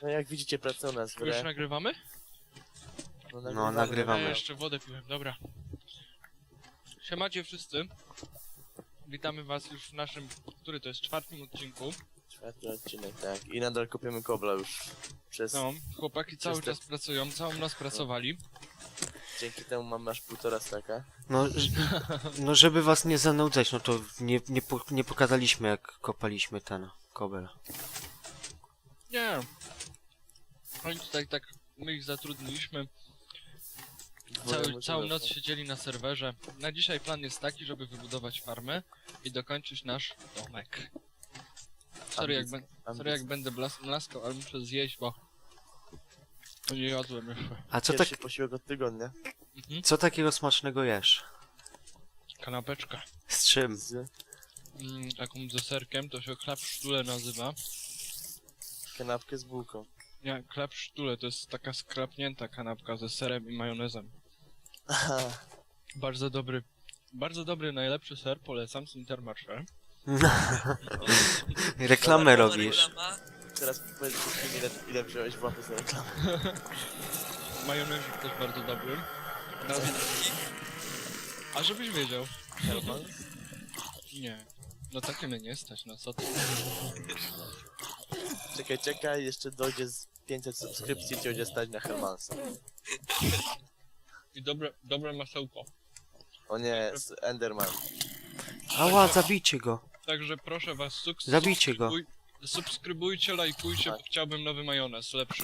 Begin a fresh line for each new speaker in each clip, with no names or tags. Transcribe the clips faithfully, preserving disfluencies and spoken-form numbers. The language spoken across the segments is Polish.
No jak widzicie, pracują nas w
Już
grę.
nagrywamy?
No,
No, nagrywamy.
Ja jeszcze wodę piłem, dobra. Siemacie wszyscy. Witamy was już w naszym, który to jest, czwartym odcinku.
Czwarty odcinek, tak. I nadal kopiemy kobla już przez...
No, chłopaki cały
Przez te-
czas pracują, całą noc pracowali.
Dzięki temu mam aż półtora staka.
No, ż- no żeby was nie zanudzać, no to nie, nie, po, nie pokazaliśmy jak kopaliśmy ten kobel.
Nie. Oni tutaj tak, my ich zatrudniliśmy. Cały, całą noc siedzieli na serwerze. Na dzisiaj plan jest taki, żeby wybudować farmę i dokończyć nasz domek. Sorry jak, ben, sorry jak będę blas, mlaskał, ale muszę zjeść, bo nie jadłem jeszcze.
A co, tak,
Pierwszy posiłek od tygodnia.
Mhm.
co takiego smacznego jesz?
Kanapeczka.
Z czym?
Z
Mm, taką ze serkiem, to się chleb sztule nazywa.
kanapkę z bułką.
Nie, chleb sztule to jest taka skrapnięta kanapka ze serem i majonezem.
Aha.
Bardzo dobry, bardzo dobry, najlepszy ser, polecam z Intermarché.
Reklamę robisz.
Teraz powiedz wszystkim, ile, ile wziąłeś w łapy za reklamę.
Majonezik też bardzo dobry. Na... A żebyś wiedział.
Herman?
Nie. No takie mnie nie stać, no co ty.
Czekaj, czekaj, jeszcze dojdzie z pięćset subskrypcji, ci będzie stać na Hermansa.
I dobre, dobre masełko.
O nie, z Enderman.
Ała, zabijcie go.
Także proszę was, suk
Zabijcie go.
subskrybuj- Subskrybujcie, lajkujcie, bo
Tak.
chciałbym nowy majonez, lepszy.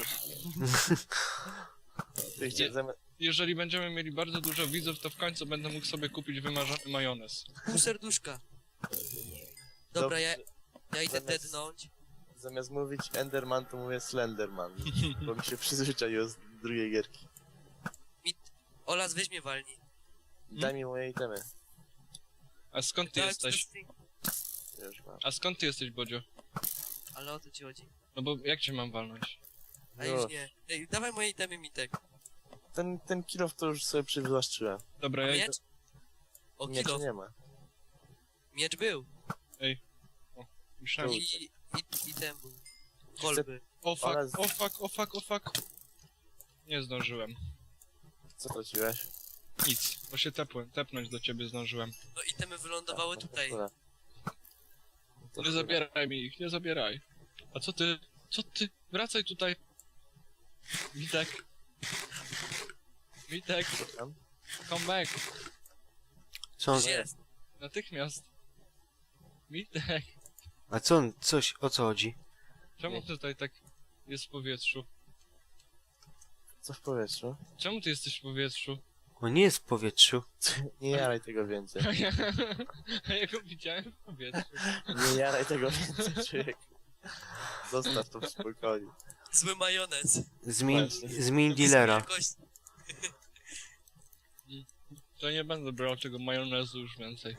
Ty chcie,
Nie.
zamiast...
Jeżeli będziemy mieli bardzo dużo widzów, to w końcu będę mógł sobie kupić wymarzony majonez.
Pół serduszka. Dobra, ja, ja idę
Zamiast-
dednąć.
Zamiast mówić Enderman, to mówię Slenderman. Bo mi się przyzwyczaiło z drugiej gierki.
Olas, weź mnie walni.
Daj mi moje itemy.
A skąd ty
Dałem
jesteś?
ci to string.
Już mam.
A skąd ty jesteś, Bodzio?
Ale o to ci chodzi.
No bo jak cię mam walnąć?
A już nie. Ej, dawaj moje itemy, Mitek.
Ten, ten kilof to już sobie przywłaszczyłem.
Dobra, ja idę...
Miecz? O,
Nie,
kilo.
to nie ma.
Miecz był.
Myślałem,
I,
że...
i, i ten był. Kolby.
O fuck,
Ale z-
o fuck, o fuck, o fuck. Nie zdążyłem.
Co traciłeś?
Nic, bo się tepłem, tepnąć do ciebie zdążyłem.
No itemy wylądowały
No to
tutaj.
szkoda. To
Nie
szkoda.
zabieraj mi ich, nie zabieraj. A co ty? Co ty? Wracaj tutaj. Witek. Witek,
Tam?
come back.
Co on,
Gdzie jest?
Natychmiast. Witek.
a co on, coś, o co chodzi?
Czemu
Nie.
tutaj tak jest w powietrzu?
Co w powietrzu?
Czemu ty jesteś w powietrzu?
On nie jest w powietrzu.
Nie jaraj tego więcej.
A ja, a ja go widziałem w powietrzu.
Nie jaraj tego więcej, człowiek. Zostaw to w spokoju.
Zły majonez.
Zmień,
Właśnie.
zmień dealera.
Jakoś...
To nie będę brał tego majonezu już więcej.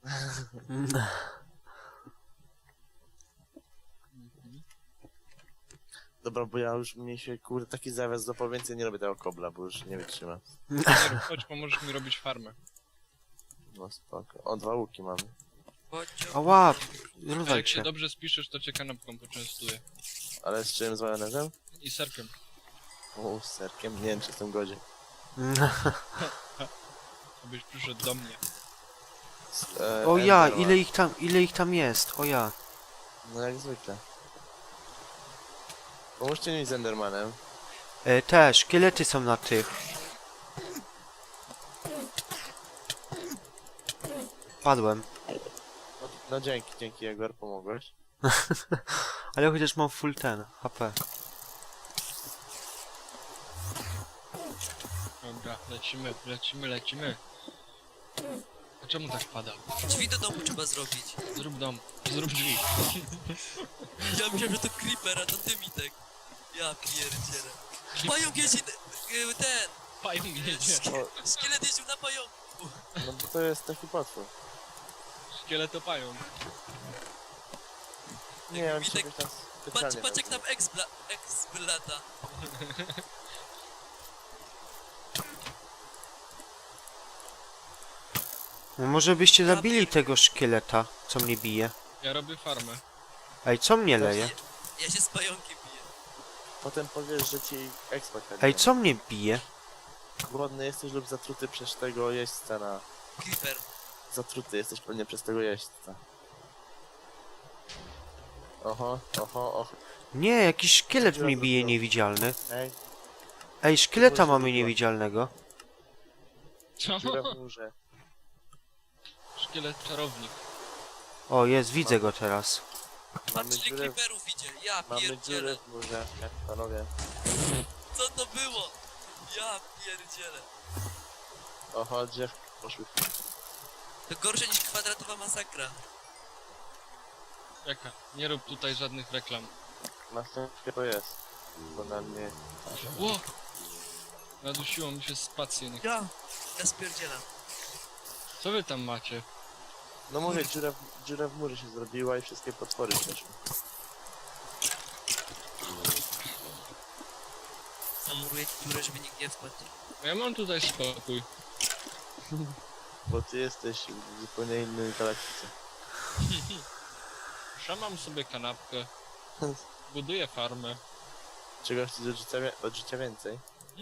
Dobra, bo ja już mnie się, kurde, taki zawias do więcej nie robię tego kobla, bo już nie wytrzymam.
Nie rób, chodź, pomożesz mi robić farmę.
No spoko. O, dwa łuki mamy.
Chodźcie.
Ała,
A
rozwal
jak się
się.
dobrze spiszesz, to cię kanapką poczęstuję.
Ale z czym? Z majonezem?
I serkiem.
O, z serkiem. Nie wiem, czy w tym godzie.
Abyś przyszedł do mnie.
Z, e,
O ja,
Enderman.
ile ich tam, ile ich tam jest, o ja.
No jak zwykle. Pomóżcie mi z Endermanem.
E, te szkielety są na tych. Padłem.
No, no dzięki, dzięki Egor, pomogłeś.
Ale chociaż mam full ten, H P.
Dobra, lecimy, lecimy, lecimy. A czemu tak pada?
Drzwi do domu trzeba zrobić.
Zrób dom, zrób drzwi.
Ja myślałem, że to creeper, a to ty, Mitek. Ja pierdzielę. Pająk jeździ... y, ten...
Pająk jedzie.
O,
Szkielet jeździł na pająku.
no bo to jest taki potwór.
Szkielet to pająk.
Nie, on się
Witek,
jakoś tam
Patrz,
specjalnie
patrz jak
nazywa.
tam ex, bla, ex lata.
No może byście zabili tego szkieleta, co mnie bije.
Ja robię farmę.
Ej, co mnie leje?
Ja się z pająkiem biję.
potem powiesz, że ci expa kradnie.
Ej, co mnie bije?
Głodny jesteś lub zatruty przez tego jeźdźca na...
Creeper.
Zatruty jesteś pewnie przez tego jeźdźca. Oho, oho, oho.
Nie, jakiś szkielet mnie bije
Dziura
niewidzialny.
Ej,
Ej, szkieleta
Coś
mamy
zrobiła.
niewidzialnego.
Co?
dziura w murze.
Szkielet czarownik.
O, jest, widzę go teraz.
Mamy
Patrz, ile
dziurę,
creeperów idzie. Ja
mamy dziurę
pierdzielę.
w murze, jak panowie.
Co to było? Ja pierdzielę.
Oho, drzewki poszły.
To gorsze niż kwadratowa masakra.
Jaka? Nie rób tutaj żadnych reklam.
Następnie to jest. Bo na mnie...
Ło! Nadusiło mi się spację. Nie...
Ja. Ja spierdzielam.
Co wy tam macie?
No mówię, dziura w, dziura w murze się zrobiła i wszystkie potwory przeszły.
Zamuruję ci dziurę, żeby nikt nie wpadł.
Ja mam tutaj spokój.
Bo ty jesteś w zupełnie innej galaktyce.
Szamam sobie kanapkę. Buduję farmę.
Czego chcesz od życia, wie- od życia więcej?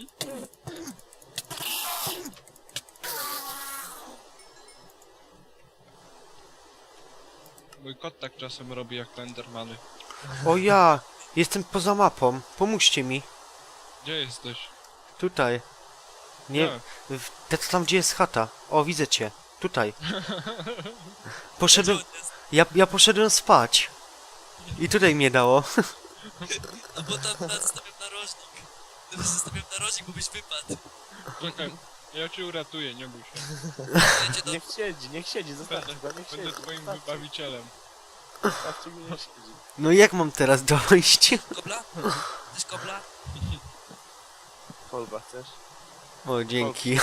Mój kot tak czasem robi jak Endermany.
O ja! Jestem poza mapą. Pomóżcie mi.
Gdzie jesteś?
Tutaj. Nie, w, te- tam gdzie jest chata. O, widzę cię. Tutaj. Poszedłem... Ja, ja poszedłem spać. I tutaj mnie dało.
No bo tam nas zostawiam narożnik. Teraz zostawiam narożnik, bo byś wypadł.
Czekaj, ja cię uratuję, nie bój się.
Wiecie, no,
Niech siedzi, niech siedzi, zostawcie
Będę,
go, niech
będę
siedzi.
twoim
Zostawcie,
wybawicielem.
zostawcie go, niech siedzi.
No jak mam teraz dojść?
kobla? Chcesz kobla?
Kolba chcesz?
O, dzięki.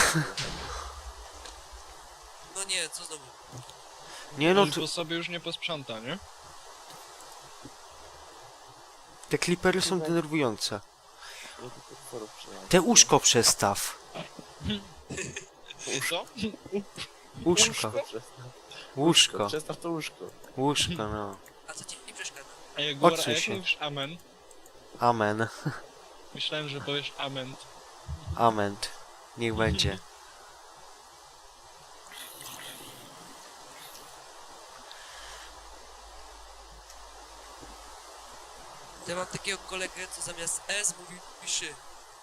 No nie, co znowu?
Nie no,
No
tu,
to sobie już nie posprząta, nie?
te klipery są denerwujące.
Ja tu potworów przejąłem.
Te łóżko przestaw.
Co?
Łóżko.
Przestaw.
Łóżko.
Przestaw to łóżko.
Łóżko, no.
A co ci nie przeszkadza?
A jak, góra, a
Odsuń
jak
się.
mówisz amen?
Amen.
Myślałem, że powiesz amen.
Amen. Niech będzie.
Ja mam takiego kolegę, co zamiast S mówi szy.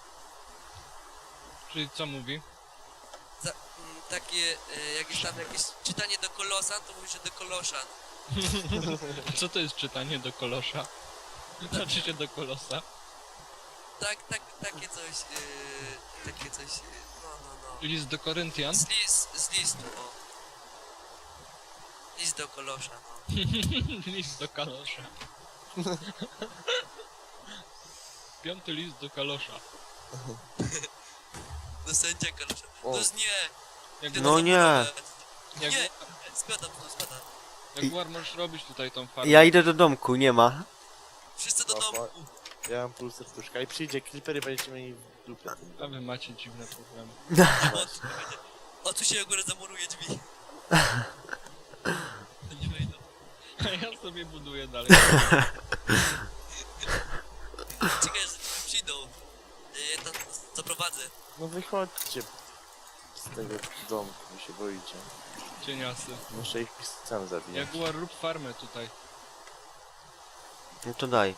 Czyli co mówi?
Za, mm, takie, e, jak jest tam jakieś czytanie do kolosa, to mówi, że do kolosza.
Co to jest czytanie do kolosza? Znaczy się do kolosa.
Tak, tak, takie coś, e, takie coś, e, no, no, no.
List do Koryntian?
Z, list, z listu, o. List do kolosza, no.
List do kalosza. Piąty list do kalosza.
Do sędzia kolosza.
O.
No z nie!
Jak,
Ty
No
to
nie.
zamurować.
jak,
Nie! Spadam, to spadam.
jak war możesz robić tutaj tą farmę?
Ja idę do domku, nie ma.
Wszyscy do
Oho.
domu.
Ja mam pół serduszka i przyjdzie Clipper i będziecie mieli w dupie.
A wy macie dziwne problemy.
O, tu się akurat zamuruje drzwi. To nie wejdą.
A ja sobie buduję dalej.
Czekaj, że tu przyjdą. Ja tam zaprowadzę.
No wychodźcie z tego domku, wy się boicie.
Cieniasy.
Muszę ich sam zabijać.
Jaguar, rób farmę tutaj.
No to daj.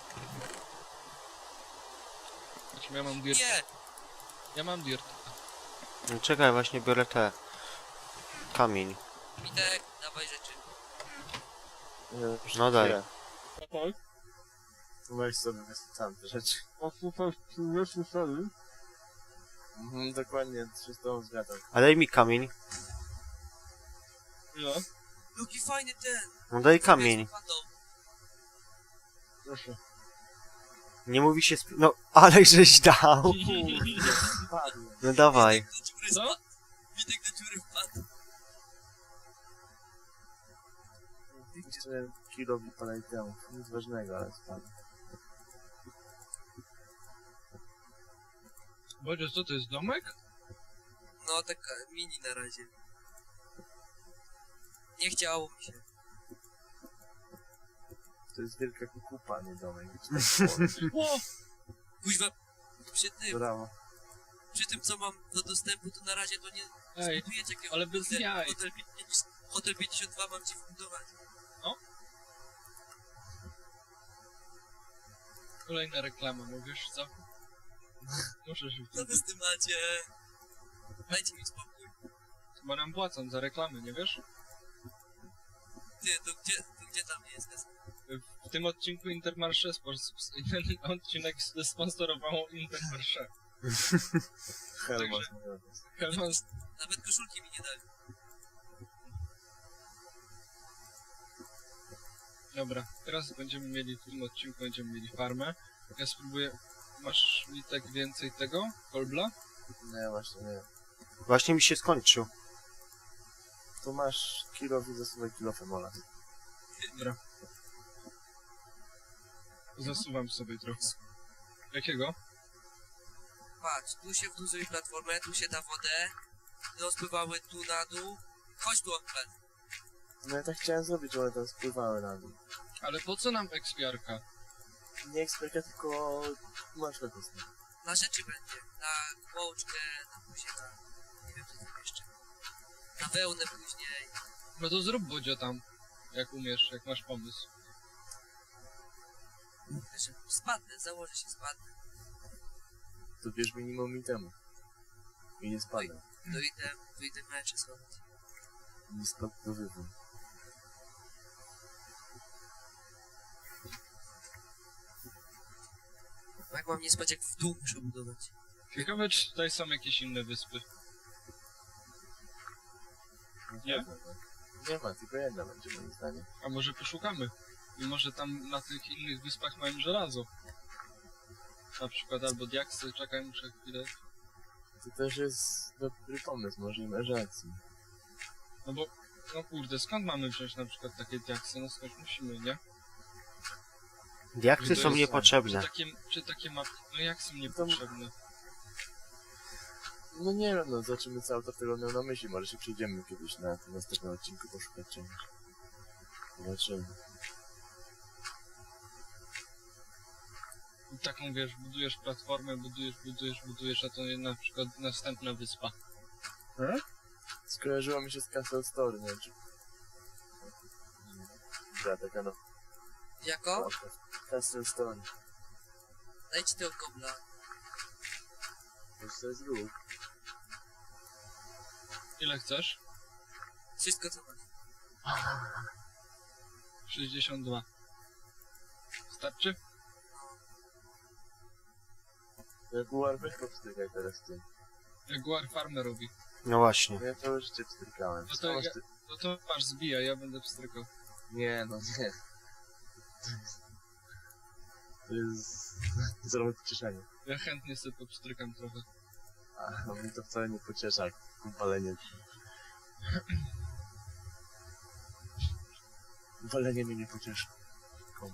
Znaczy, ja mam dirt.
Nie!
Ja mam dirt.
No czekaj, właśnie biorę te. Kamień.
Witek, dawaj rzeczy.
Nie, już
No daj.
chwilę. Weź sobie wysłucham te rzeczy. Mhm, dokładnie, się z tobą zgadzam.
A daj mi kamień.
No.
Jaki fajny ten!
No daj kamień.
Padł.
Proszę.
Nie mówi się sp... No, ale żeś dał. No dawaj.
Witek do dziury
Co?
spadł. Witek do dziury wpadł.
Jeszcze kilowi parę temu. Nic ważnego, ale spadł.
Boże, co to jest domek?
No, taka mini na razie. Nie chciało mi się.
To jest wielka kukupa, nie domek. Wiecie, tak było.
Ło!
Kuźwa, przy tym,
Brawo.
przy tym co mam do dostępu, to na razie to nie
Ej,
zbudujecie jakiego
ale bez
hotel,
jaj.
hotel, pięćdziesiąt hotel pięćdziesiąt dwa mam ci wbudować.
kolejna reklama, no wiesz co? Muszę się
Co wy z tym macie? Dajcie mi spokój.
bo nam płacą za reklamy, nie wiesz?
Ty, to gdzie, to gdzie tam jest?
W tym odcinku Intermarché, spos- ten odcinek sponsorowało Intermarché.
Helmut.
Helmans,
Nawet koszulki mi nie dali.
dobra, teraz będziemy mieli, w tym odcinku będziemy mieli farmę. Ja spróbuję, masz mi tak więcej tego, kolbla?
Nie, właśnie nie.
Właśnie mi się skończył.
Tu masz kilo i zasuwaj kilo femola.
Dobra. Zasuwam sobie trochę. Jakiego?
Patrz, tu się wduzuje platformę, tu się da wodę. Rozpływały tu na dół. Chodź tu, Ompel.
No ja tak chciałem zrobić, ale tam spływały na dół.
Ale po co nam ekspiarka?
Nie eksperka, tylko masz na kostkę.
Na rzeczy będzie. Na kłoczkę, na buziaka. Nie wiem, co tam jeszcze. Na wełnę później.
No to zrób bodzio tam, jak umiesz, jak masz pomysł.
Jeszcze spadnę, założę się, spadnę.
To bierz minimum mi temu. I nie spada.
Dojdę, wyjdę mecze schować.
Nie spadł do wywu.
Jak mam nie spać, jak w dół muszę budować.
Ciekawe, czy tutaj są jakieś inne wyspy. Nie?
Nie ma, tylko jedna będzie moim zdaniem.
A może poszukamy? I może tam na tych innych wyspach mają żelazo. Na przykład albo diaksy, czekaj, muszę chwilę.
To też jest dobry pomysł, może i masz rację.
No bo, no kurde, skąd mamy wziąć na przykład takie diaksy? No skąd musimy, nie?
Diaksy
To
są
jest- Czy
niepotrzebne.
takie, czy takie mapy, no jak są
To-
niepotrzebne?
No nie wiem, no zobaczymy co autor tego miał na myśli. Może się przyjdziemy kiedyś na tym następnym odcinku poszukać czegoś. Zobaczymy.
I taką wiesz, budujesz platformę, budujesz, budujesz, budujesz, a to jest na przykład następna wyspa.
Skojarzyło mi się z Castle Story, nie wiem czy... Gra taka no...
Jako?
Castle Story.
Dajcie tego kobla.
To jest ruch.
Ile chcesz?
Wszystko co masz.
sześćdziesiąt dwa. Starczy?
Jaguar weź powstykaj teraz ty.
Jaguar farmę robi.
No właśnie.
No ja całe życie wstrykałem.
No to
Całe
ja-
życie-
No to masz, zbijaj, ja będę pstrykał.
Nie, no nie. To jest... Zrobię pocieszenie.
Ja chętnie sobie popstrykam trochę.
A mnie to wcale nie pociesza, jak walenie. Walenie mnie nie pocieszy. Komu?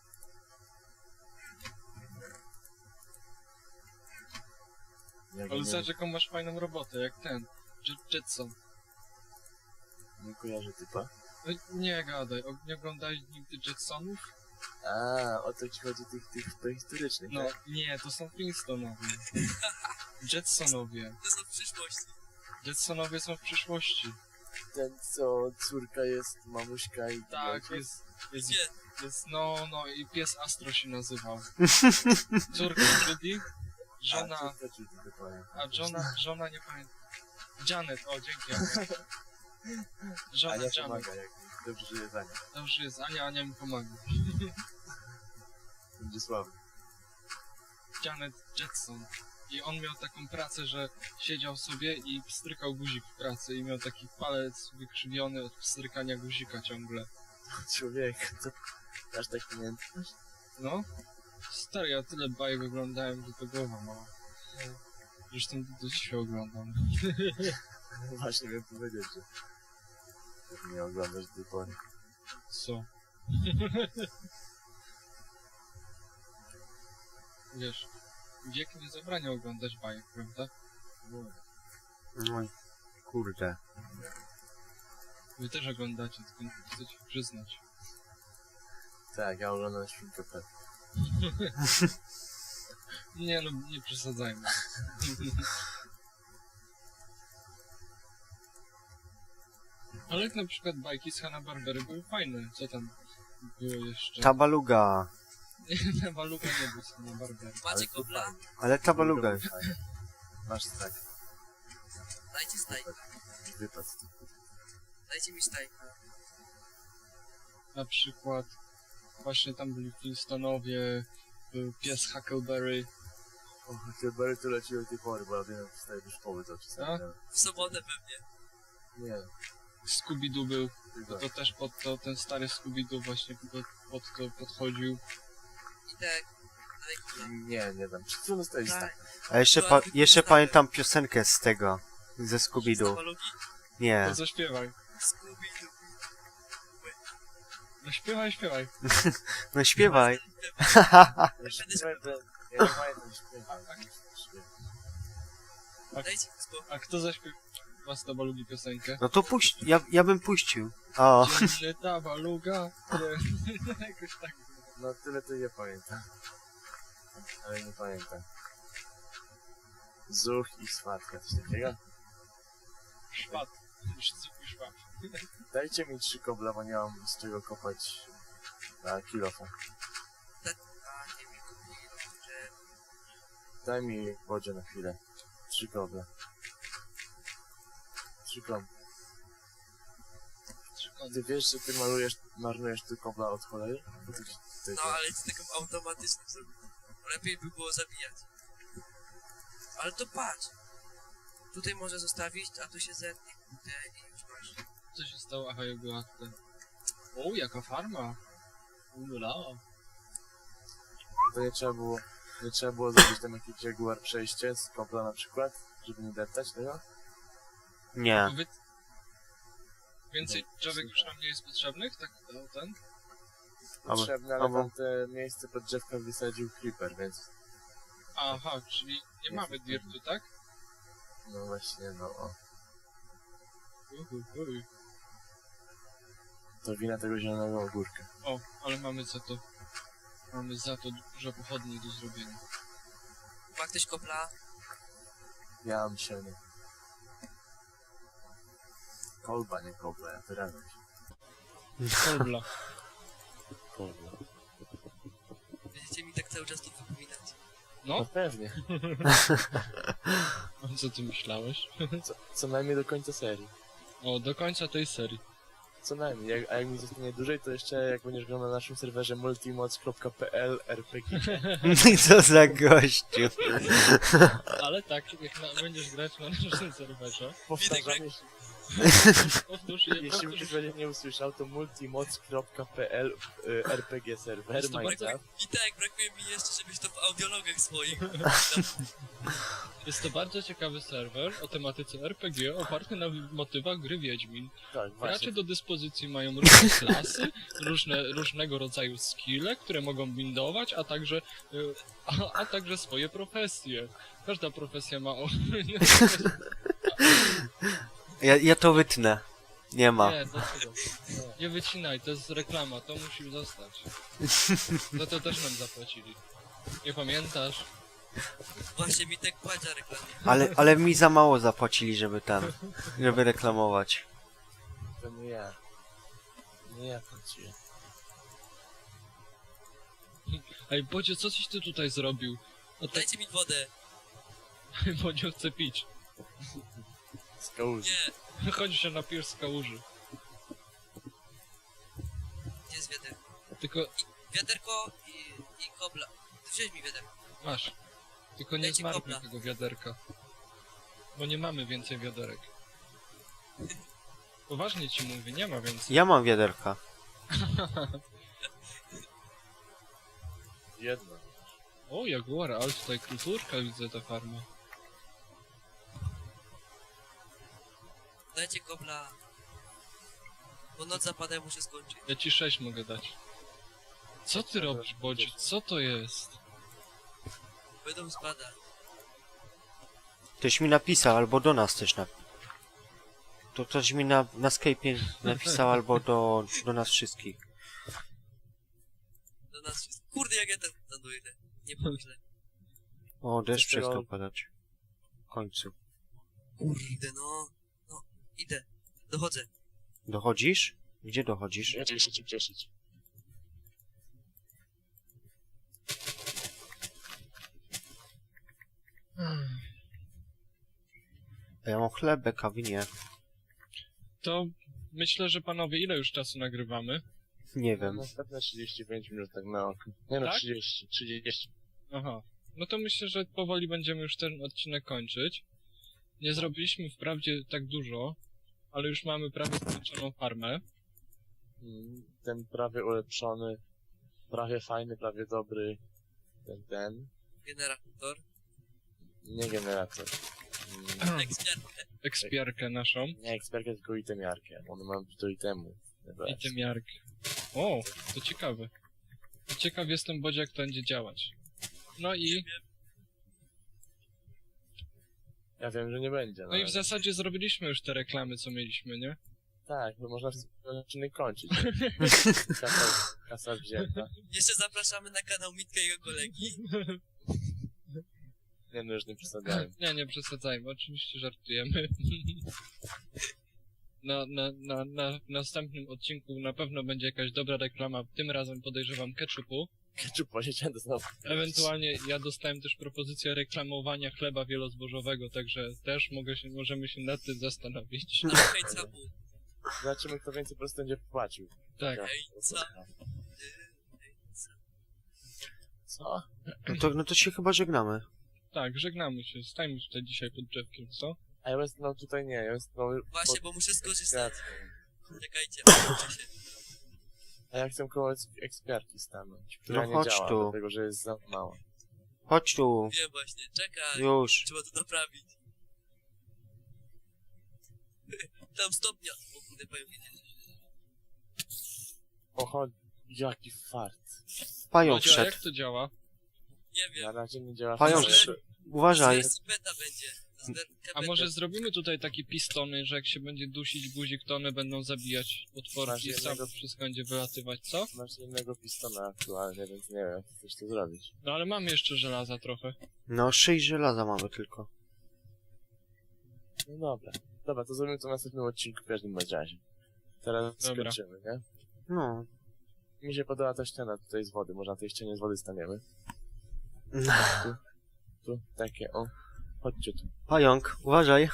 Jak
Ale
nie,
zobacz jaką masz fajną robotę, jak ten. Jet- Jetson.
nie kojarzę typa.
No, nie gadaj, o- nie oglądałeś nigdy Jetsonów?
A, o to ci chodzi tych, tych prehistorycznych,
No,
tak?
nie, to są Flintstonowie. Jetsonowie.
To są w przyszłości.
Jetsonowie są w przyszłości.
Ten, co córka jest, mamuśka i...
Tak, jest, jest,
Gdzie?
jest, no, no i pies Astro się nazywał. Córka Judy, żona,
A, córka Judy, dokładnie.
a żona, żona nie pamiętam. Janet, o dzięki Ania. Żona
Ania
Janet.
pomaga, jak dobrze żyje za nią.
Dobrze jest Ania, Ania mi pomaga.
Będzie słaby.
Janet Jetson. I on miał taką pracę, że siedział sobie i pstrykał guzik w pracy i miał taki palec wykrzywiony od pstrykania guzika ciągle.
Człowiek, to... Aż tak pamiętasz?
No? Stary, ja tyle bajek oglądałem, że to głowa mała. Zresztą do dzisiaj oglądam.
Właśnie miałem powiedzieć, że... że nie oglądasz do tej pory.
Co? Wiesz, wiek nie zabrania oglądać bajek, prawda?
No,
No i kurde.
Wy też oglądacie, tylko nie chcecie przyznać.
tak, ja oglądam Świnkę Pepę.
Nie no, nie przesadzajmy. Ale jak na przykład bajki z Hanna-Barbery były fajne. Co tam było jeszcze?
Tabaluga.
Waluga nie był z Hanna-Barbery.
Macie
to
kobla?
fajnie.
Ale tabaluga.
Druga fajna. Masz tak,
Dajcie stajka.
wypad.
Dajcie mi stajka.
Na przykład właśnie tam byli Flintstonowie, był pies Huckleberry.
O, Huckleberry to leci do tej pory, bo ja wiem, wstaję do szkoły to czasami.
A?
nie?
W sobotę pewnie.
Nie,
Scooby-Doo był,
tylko
to też pod to, ten stary Scooby-Doo właśnie pod, pod to podchodził.
I tak. Daj kobla.
nie, nie dam. Czy co dostałeś
Daj.
tak?
A jeszcze, pa jeszcze pamiętam piosenkę z tego. Ze Scooby-Doo.
Stawalugi?
Nie.
To zaśpiewaj.
Scooby-Doo.
No śpiewaj, śpiewaj.
No śpiewaj.
Ja śpiewam, to- ja nie pamiętam śpiewać.
Dajcie mi spokój.
A kto zaśpiewa z Tabalugi piosenkę?
No to puść, ja, ja bym puścił. O,
Dzień Tabaluga. Nie, jakoś tak.
No tyle to nie pamiętam. Ale nie pamiętam. Zuch i swatka, coś takiego?
Szpat. Szcyk i szwab.
Dajcie mi trzy kobla, bo nie mam z czego kopać na kilofa.
Dajcie mi kupi. Że...
Daj mi wodzie na chwilę. Trzy koble. Trzy koble. Ty wiesz, że ty malujesz, marnujesz ty kobla od cholery? Bo ty, ty,
No ale z tego automatycznie zrobił. Lepiej by było zabijać. Ale to patrz. Tutaj może zostawić, a tu się zetnie. Kurde, i już masz.
Co się stało? Aha, ja była ten... O, jaka farma. Ula.
to nie trzeba było, nie trzeba było zrobić tam jakieś Jaguar przejście z kobla na przykład, żeby nie deptać tego?
nie.
Wy... Więcej drzewek już nam nie jest potrzebnych? Tak, o, ten?
Potrzebne, ale
albo-
tam te miejsce pod drzewka wysadził Creeper, więc
Aha, czyli nie mamy dirtu, tak?
no właśnie, no o.
Uhu, uhu.
To wina tego zielonego ogórka.
O, ale mamy za to... Mamy za to dużo pochodni do zrobienia.
Ma ktoś kopla?
Ja mam sianie. Kolba, nie kobla, ja wyrażam się.
Kolbla.
Kolba.
Będziecie mi tak cały czas to wypominać.
No
No,
pewnie.
a co ty myślałeś?
Co, co najmniej do końca serii.
O, do końca tej serii.
Co najmniej, jak, a jak mi zostanie dłużej, to jeszcze jak będziesz grał na naszym serwerze multimoc kropka p l R P G.
Co za gościu.
Ale tak, jak na, będziesz grać na naszym serwerze,
Powtarzam, jeśli,
powtórz je,
jeśli
powtórz,
ktoś będzie nie usłyszał, to multimoc kropka p l y, R P G serwer
Jest to
Minecraft.
I tak, brakuje mi jeszcze, żebyś to w audiologach swoich.
jest to bardzo ciekawy serwer o tematyce R P G oparty na motywach gry Wiedźmin.
Tak,
Gracze
właśnie.
do dyspozycji mają różne klasy, różne, różnego rodzaju skille, które mogą bindować, a także, y, a, a także swoje profesje. Każda profesja ma... O...
Ja, ja to wytnę. Nie ma.
Nie, dlaczego? Nie wycinaj, to jest reklama, to musi zostać. Za to też nam zapłacili. Nie pamiętasz?
Właśnie mi tak płacza reklamie.
Ale, ale mi za mało zapłacili, żeby ten, żeby reklamować.
To nie ja. Nie ja płaciłem.
Ej, Bodzie, co coś ty tutaj zrobił? O tak,
Dajcie mi wodę.
Bodzie chce pić.
Z kałuży.
Nie,
Chodzi się na pier z kałuży.
gdzie jest wiaderko?
Tylko
Wiaderko i, i kobla. Wziąć mi wiaderko.
masz. Tylko nie
Dajcie
zmarnuj
kobla.
tego wiaderka. Bo nie mamy więcej wiaderek. Poważnie ci mówię, nie ma więcej.
Ja mam wiaderka.
Jedno.
O, Jaguar, ale tutaj kulturka widzę ta farma.
Dajcie kobla. Bo noc zapada, ja muszę skończyć.
Ja ci sześć mogę dać. Co ty robisz, Bodzie? Co to jest?
Będą spadać.
Ktoś mi napisał, albo do nas też napisał. To ktoś mi na, na Skype'ie napisał, albo do, do nas wszystkich.
Do nas wszystkich. Kurde, jak ja ten dojdę. Nie pomyślę.
O, deszcz
Coś tego-
przestał padać. W końcu.
Kurde, no. No, idę. Dochodzę.
Dochodzisz? Gdzie dochodzisz?
Ja cię się cię cieszyć.
A ja mam chlebek, kawy nie.
To myślę, że panowie, ile już czasu nagrywamy?
Nie wiem.
Następne trzydzieści pięć minut tak na oko. Nie no,
Tak?
trzydzieści, trzydzieści.
Aha. No to myślę, że powoli będziemy już ten odcinek kończyć. Nie zrobiliśmy wprawdzie tak dużo, ale już mamy prawie skończoną farmę.
Mm, Ten prawie ulepszony, prawie fajny, prawie dobry, ten, ten,
Generator.
nie generator. Mm,
Ekspiarkę.
Ekspiarkę naszą.
Nie ekspertkę, tylko itemiarkę. One mają do itemu.
I tymiarkę. O, to ciekawe. Ciekaw jestem, Bodzie, jak to będzie działać. No i,
Ja wiem, że nie będzie.
no i w zasadzie zrobiliśmy już te reklamy, co mieliśmy, nie?
Tak, bo można ten odcinek kończyć. Kasa, kasa wzięta.
Jeszcze zapraszamy na kanał Mitka i jego kolegi.
Nie no, już nie przesadzałem.
Nie, nie przesadzajmy, oczywiście żartujemy. Na, na, na, na w następnym odcinku na pewno będzie jakaś dobra reklama, tym razem podejrzewam ketchupu.
Ketchup posiedziałem to znowu.
Ewentualnie ja dostałem też propozycję reklamowania chleba wielozbożowego, także też mogę się, możemy się nad tym zastanowić.
Na hejca mu.
Zobaczymy, kto więcej po prostu będzie płacił.
Tak.
Hejca.
Co?
No to, no to się chyba żegnamy.
Tak, żegnamy się, stajmy tutaj dzisiaj pod drzewkiem, co?
A ja bym no tutaj nie, ja bym no,
Właśnie, bo muszę skorzystać. Czekajcie, muszę się.
A ja chcę koło eks- ekspiarki stanąć, która
No
nie
chodź
działa,
tu.
dlatego że jest za mała.
Chodź tu.
Wiem właśnie, czekaj.
Już.
Trzeba to naprawić. Tam stopnia. O kurde, powiem, nie.
O, chodź, jaki fart.
Pająk
Bodzio, a
wszedł.
jak to działa?
Nie
Na
wiem.
razie nie działa.
Pająk
ale-
wszedł. Uważaj.
Zaraz beta będzie. Zaraz
A
beta.
może zrobimy tutaj takie pistony, że jak się będzie dusić guzik, to one będą zabijać potworki
Masz
i sam
jednego-
wszystko będzie wylatywać, co?
Masz jednego pistona aktualnie, więc nie wiem, jak chcesz to zrobić.
No ale mamy jeszcze żelaza trochę.
No, sześć żelaza mamy tylko.
No dobra. Dobra, to zrobimy to w następnym odcinku w każdym bądź razie. Teraz
Dobra.
skończymy, nie?
No.
Mi się podoba ta ściana tutaj z wody, może na tej ścianie z wody staniemy. Tu, takie, o. Chodźcie tu.
Pająk, uważaj.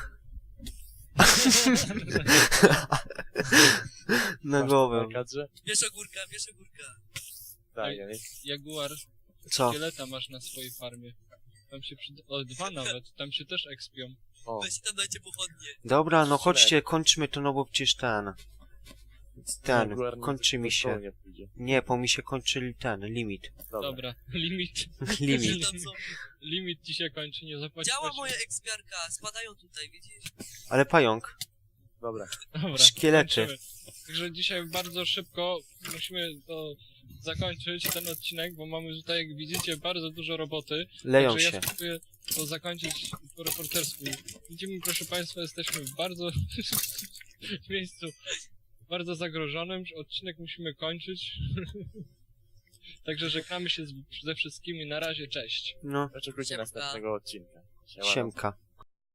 Na
Masz
głowę.
to na kadrze?
Wiesz ogórka, wiesz ogórka.
Tak,
Ej.
ja nie.
Jaguar,
Co?
szkieleta masz na swojej farmie. Tam się przyda... O, dwa nawet, tam się też ekspią.
O,
Weź tam dajcie pochodnie.
Dobra, no chodźcie, kończmy to, no bo przecież ten... Ten,
Jaguar
kończy
do
mi
stołu
się.
Nie pójdzie.
Nie, bo mi się kończy ten, limit.
Dobra.
Dobra, limit.
Limit.
Tam są.
Limit ci się kończy, nie zapłacisz.
Działa moja ekspiarka, spadają tutaj, widzisz?
Ale pająk.
Dobra.
Dobra,
Szkielety.
kończymy. Także dzisiaj bardzo szybko musimy to zakończyć ten odcinek, bo mamy tutaj, jak widzicie, bardzo dużo roboty.
Leją
Także
się.
ja spróbuję to zakończyć po reportersku. Widzimy, proszę Państwa, jesteśmy w bardzo w miejscu bardzo zagrożonym. Odcinek musimy kończyć. Także żegnamy się z, ze wszystkimi. Na razie, cześć.
No,
Oczekujcie
Siemka.
następnego odcinka. Siemano.
siemka.